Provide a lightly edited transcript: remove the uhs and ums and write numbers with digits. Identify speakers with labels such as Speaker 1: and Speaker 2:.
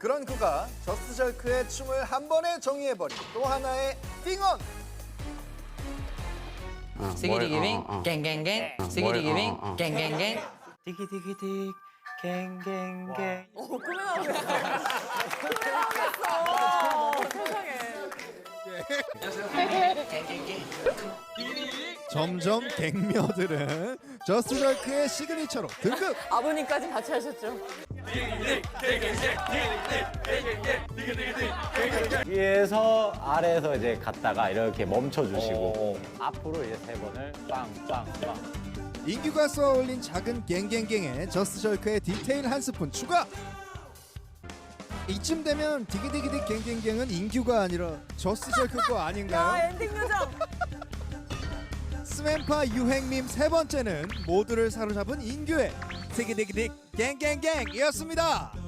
Speaker 1: 그런 그가 저스트절크의 춤을 한 번에 정의해버린 또 하나의 띵언.
Speaker 2: 스기디기빙 갱갱갱 스기디기빙 갱갱갱
Speaker 3: 디기디기딕 갱갱갱.
Speaker 1: 점점 갱녀들은 저스트절크의 시그니처로 등극.
Speaker 4: 아버님까지 같이 하셨죠?
Speaker 5: 위에서 아래에서 이제 갔다가 이렇게 멈춰주시고 앞으로 이제 3번을 빵빵빵.
Speaker 1: 인규가 쏘아 올린 작은 갱갱갱에 저스트절크의 디테일 한 스푼 추가. 이쯤 되면 디기디기디 갱갱갱은 인규가 아니라 저스트절크 거 아닌가요?
Speaker 4: 엔딩 요정!
Speaker 1: 스맨파 유행밈 세 번째는 모두를 사로잡은 인규의 디기디기디 갱갱갱이었습니다.